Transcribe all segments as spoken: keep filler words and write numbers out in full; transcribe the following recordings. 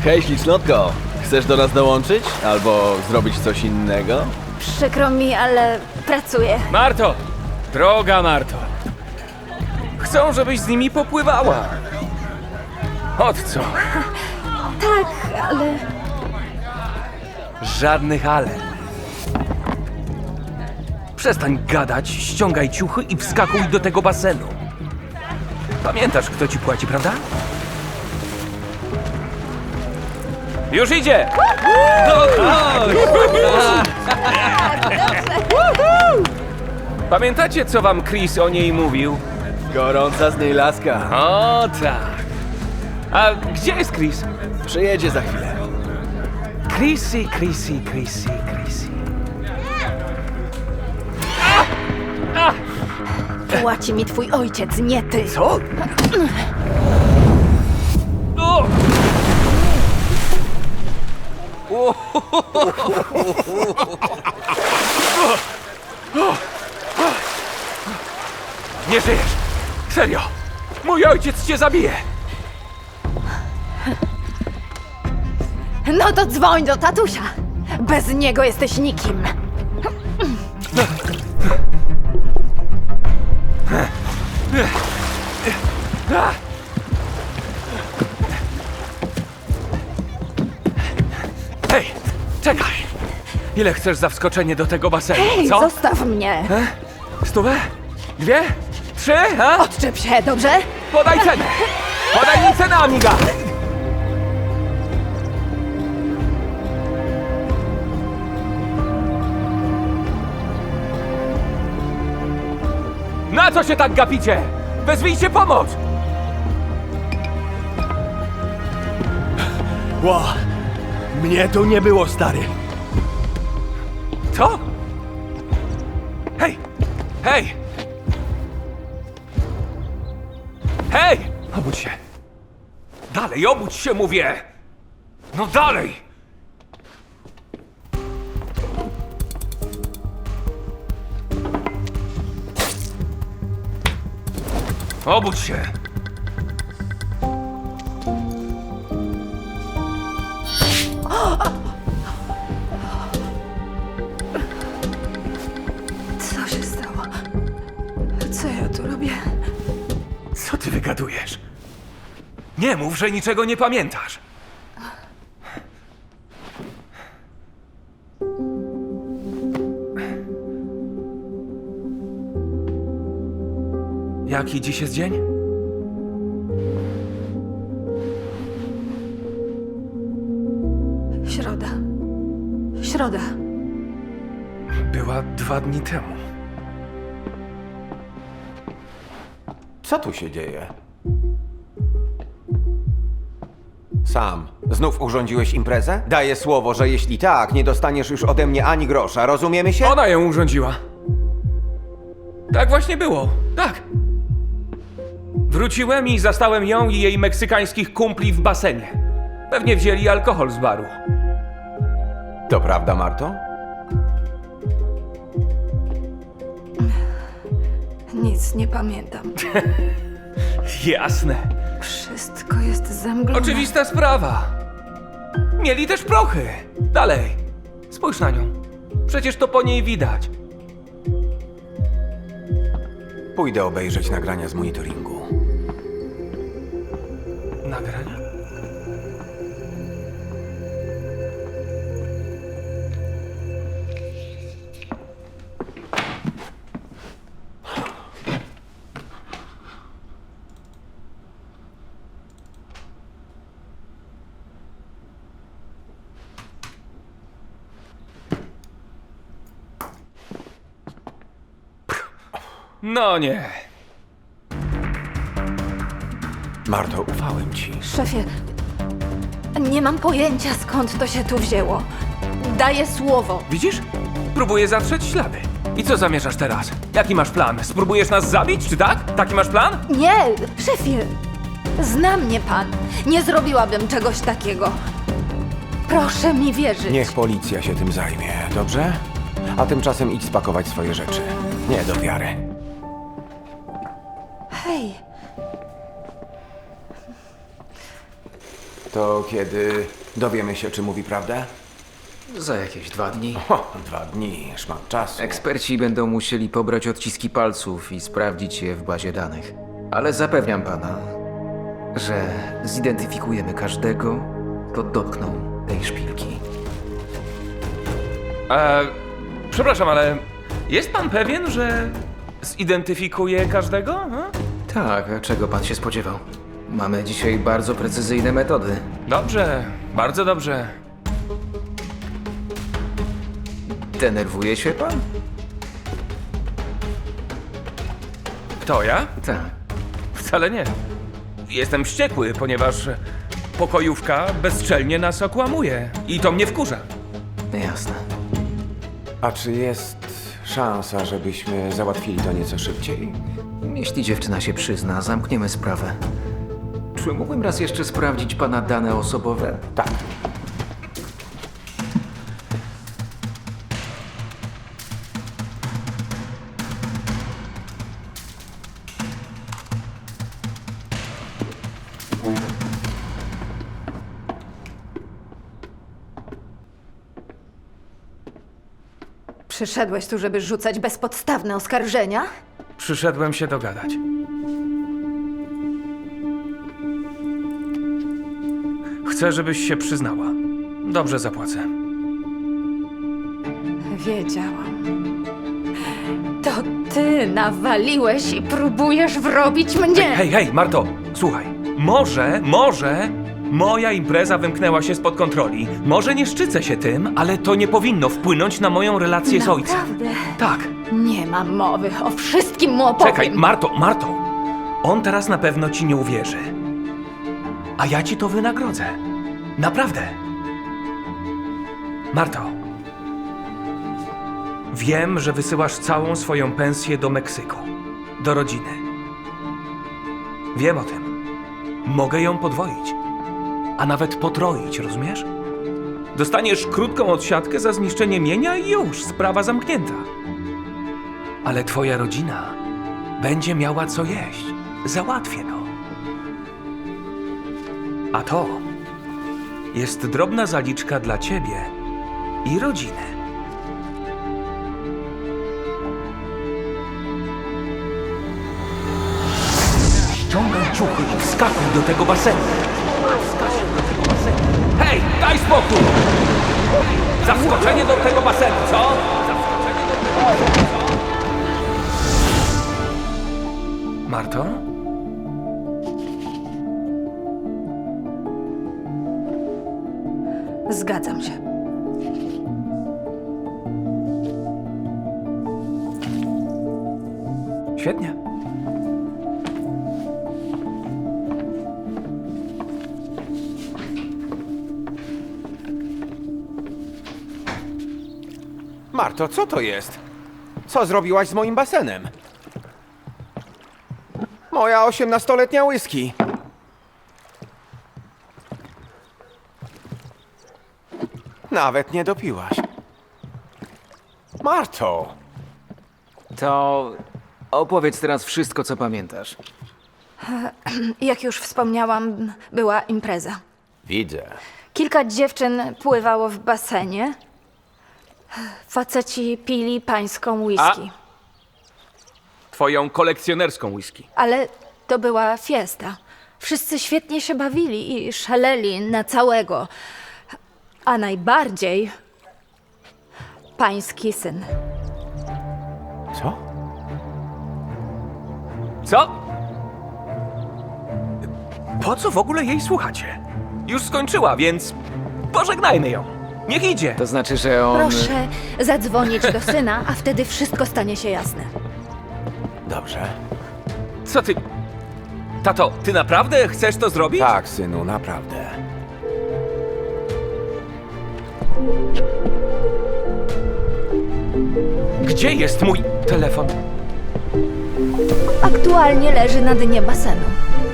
Hej, ślicznotko! Chcesz do nas dołączyć? Albo zrobić coś innego? Przykro mi, ale pracuję. Marto! Droga Marto! Chcą, żebyś z nimi popływała. Od co? Tak, ale... Żadnych ale. Przestań gadać, ściągaj ciuchy i wskakuj do tego basenu. Pamiętasz, kto ci płaci, prawda? Już idzie! Pamiętacie, co wam Chris o niej mówił? Gorąca z niej laska. O tak. A gdzie jest Chris? Przyjedzie za chwilę. Chrissy, Chrissy, Chrissy, Chrissy. Płaci mi twój ojciec, nie ty. Co? O! Nie żyjesz! Serio! Mój ojciec cię zabije! No to dzwoń do tatusia. Bez niego jesteś nikim. Hej, czekaj! Ile chcesz za wskoczenie do tego basenu, Hej, co? zostaw mnie. Stówę? Dwie? Trzy? A? Odczep się, dobrze? Podaj cenę! Podaj mi cenę, amiga! Na co się tak gapicie? Wezwijcie pomoc! Ło! Mnie tu nie było, stary. Co? Hej! Hej! Hej! Obudź się! Dalej, obudź się, mówię! No dalej! Obudź się! Co się stało? Co ja tu robię? Co ty wygadujesz? Nie mów, że niczego nie pamiętasz. Jaki dziś jest dzień? Środa. Środa. Była dwa dni temu. Co tu się dzieje? Sam, znów urządziłeś imprezę? Daję słowo, że jeśli tak, nie dostaniesz już ode mnie ani grosza, rozumiemy się? Ona ją urządziła. Tak właśnie było. Tak. Wróciłem i zastałem ją i jej meksykańskich kumpli w basenie. Pewnie wzięli alkohol z baru. To prawda, Marto? Nic nie pamiętam. Jasne. Wszystko jest zamglone. Oczywista sprawa. Mieli też prochy. Dalej. Spójrz na nią. Przecież to po niej widać. Pójdę obejrzeć nagrania z monitoringu. Nagrania? No nie. Marto, ufałem ci. Szefie, nie mam pojęcia, skąd to się tu wzięło. Daję słowo. Widzisz? Próbuję zatrzeć ślady. I co zamierzasz teraz? Jaki masz plan? Spróbujesz nas zabić, czy tak? Taki masz plan? Nie, szefie, zna mnie pan. Nie zrobiłabym czegoś takiego. Proszę mi wierzyć. Niech policja się tym zajmie, dobrze? A tymczasem idź spakować swoje rzeczy. Nie do wiary. Hej. To kiedy dowiemy się, czy mówi prawdę? Za jakieś dwa dni. O, dwa dni, szmat czasu. Eksperci będą musieli pobrać odciski palców i sprawdzić je w bazie danych. Ale zapewniam pana, że zidentyfikujemy każdego, kto dotknął tej szpilki. E, przepraszam, ale jest pan pewien, że zidentyfikuje każdego? Hmm? Tak, a czego pan się spodziewał? Mamy dzisiaj bardzo precyzyjne metody. Dobrze, bardzo dobrze. Denerwuje się pan? Kto ja? Tak. Wcale nie. Jestem wściekły, ponieważ pokojówka bezczelnie nas okłamuje. I to mnie wkurza. Jasne. A czy jest szansa, żebyśmy załatwili to nieco szybciej? Jeśli dziewczyna się przyzna, zamkniemy sprawę. Czy mógłbym raz jeszcze sprawdzić pana dane osobowe? Tak. Przyszedłeś tu, żeby rzucać bezpodstawne oskarżenia? Przyszedłem się dogadać. Chcę, żebyś się przyznała. Dobrze zapłacę. Wiedziałam. To ty nawaliłeś i próbujesz wrobić mnie! Hej, hej, Marto, słuchaj. Może, może moja impreza wymknęła się spod kontroli. Może nie szczycę się tym, ale to nie powinno wpłynąć na moją relację z ojcem. Naprawdę? Tak. Nie mam mowy, o wszystkim mu opowiem. Czekaj, Marto, Marto. On teraz na pewno ci nie uwierzy. A ja ci to wynagrodzę. Naprawdę. Marto. Wiem, że wysyłasz całą swoją pensję do Meksyku. Do rodziny. Wiem o tym. Mogę ją podwoić. A nawet potroić, rozumiesz? Dostaniesz krótką odsiadkę za zniszczenie mienia i już, sprawa zamknięta. Ale twoja rodzina będzie miała co jeść. Załatwię to. A to jest drobna zaliczka dla ciebie i rodziny. Ściągaj ciuchy i wskakuj do tego basenu. Wskakuj do tego basenu. Hej, daj spokój! Zaskoczenie do tego basenu, co? Zaskoczenie do tego basenu, co? Marto? Zgadzam się. Świetnie. Marto, co to jest? Co zrobiłaś z moim basenem? Moja osiemnastoletnia whisky. Nawet nie dopiłaś. Marto! To opowiedz teraz wszystko, co pamiętasz. Jak już wspomniałam, była impreza. Widzę. Kilka dziewczyn pływało w basenie. Faceci pili pańską whisky. Twoją kolekcjonerską whisky. Ale to była fiesta. Wszyscy świetnie się bawili i szaleli na całego. A najbardziej pański syn. Co? Co? Po co w ogóle jej słuchacie? Już skończyła, więc pożegnajmy ją. Niech idzie. To znaczy, że on... Proszę zadzwonić do syna, a wtedy wszystko stanie się jasne. Dobrze. Co ty... Tato, ty naprawdę chcesz to zrobić? Tak, synu, naprawdę. Gdzie jest mój telefon? Aktualnie leży na dnie basenu.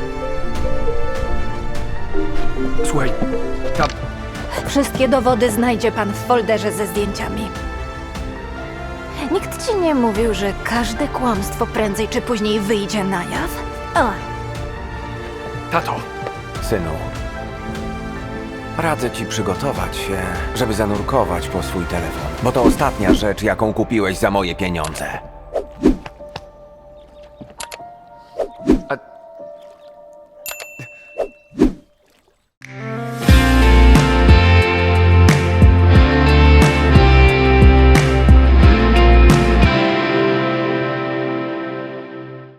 Słuchaj, ta... Wszystkie dowody znajdzie pan w folderze ze zdjęciami. Nikt ci nie mówił, że każde kłamstwo prędzej czy później wyjdzie na jaw? O, Tato, Synu, Radzę ci przygotować się, żeby zanurkować po swój telefon, bo to ostatnia rzecz, jaką kupiłeś za moje pieniądze.